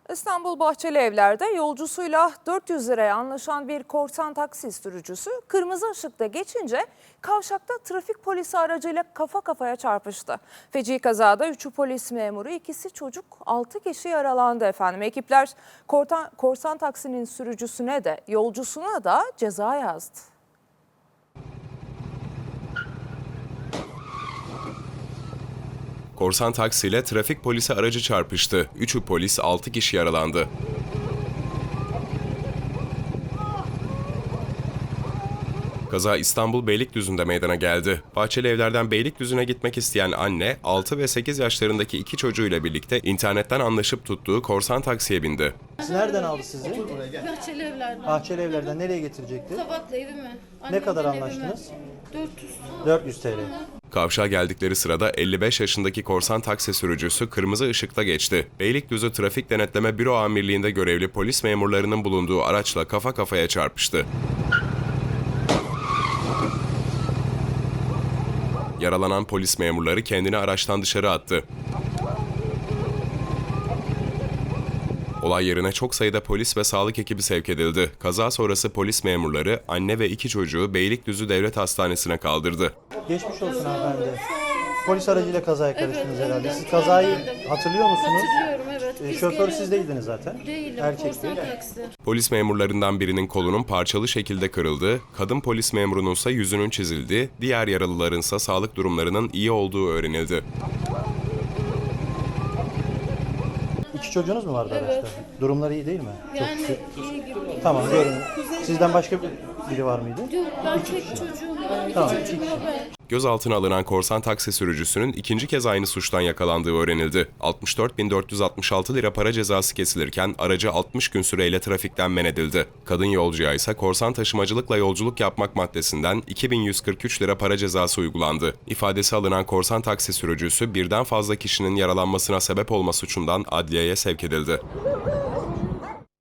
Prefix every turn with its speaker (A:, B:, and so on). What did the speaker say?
A: İstanbul Bahçelievler'de yolcusuyla 400 liraya anlaşan bir korsan taksi sürücüsü kırmızı ışıkta geçince kavşakta trafik polisi aracıyla kafa kafaya çarpıştı. Feci kazada 3'ü polis memuru, 2'si çocuk, 6 kişi yaralandı efendim. Ekipler korsan taksinin sürücüsüne de yolcusuna da ceza yazdı.
B: Korsan taksiyle trafik polisi aracı çarpıştı. 3'ü polis, 6 kişi yaralandı. Kaza İstanbul Beylikdüzü'nde meydana geldi. Bahçelievler'den Beylikdüzü'ne gitmek isteyen anne, 6 ve 8 yaşlarındaki 2 çocuğuyla birlikte internetten anlaşıp tuttuğu korsan taksiye bindi.
C: Nereden aldı sizi?
D: Bahçelievler'den.
C: Bahçelievler'den nereye getirecekti?
D: Kabaklı evime.
C: Ne kadar
D: Annemden
C: anlaştınız?
D: evime. 400.
C: 400 TL.
B: Kavşağa geldikleri sırada 55 yaşındaki korsan taksi sürücüsü kırmızı ışıkta geçti. Beylikdüzü Trafik Denetleme Büro Amirliği'nde görevli polis memurlarının bulunduğu araçla kafa kafaya çarpıştı. Yaralanan polis memurları kendini araçtan dışarı attı. Olay yerine çok sayıda polis ve sağlık ekibi sevk edildi. Kaza sonrası polis memurları anne ve 2 çocuğu Beylikdüzü Devlet Hastanesi'ne kaldırdı.
C: Geçmiş olsun hanımefendi. Polis aracıyla kazaya karıştınız herhalde.
D: Evet,
C: Siz
D: çok
C: kazayı
D: eğlendim.
C: hatırlıyor musunuz?
D: Hatırlıyorum, evet. Biz
C: Şoför
D: geliyorduk.
C: siz değildiniz zaten.
D: Değilim.
C: Erkek
D: Korsan
C: değil.
D: taksi.
B: Polis memurlarından birinin kolunun parçalı şekilde kırıldığı, kadın polis memurunun ise yüzünün çizildiği, diğer yaralıların ise sağlık durumlarının iyi olduğu öğrenildi.
C: 2 çocuğunuz mu vardı
D: Evet.
C: araçta? Durumları iyi değil mi?
D: Yani iyi gibi.
C: Tamam, görün. Sizden başka biri var mıydı?
D: Yok, ben tek çocuğum var.
C: Tamam,
D: İki çocuğum var ben.
B: Gözaltına alınan korsan taksi sürücüsünün ikinci kez aynı suçtan yakalandığı öğrenildi. 64.466 lira para cezası kesilirken aracı 60 gün süreyle trafikten men edildi. Kadın yolcuya ise korsan taşımacılıkla yolculuk yapmak maddesinden 2.143 lira para cezası uygulandı. İfadesi alınan korsan taksi sürücüsü birden fazla kişinin yaralanmasına sebep olma suçundan adliyeye sevk edildi.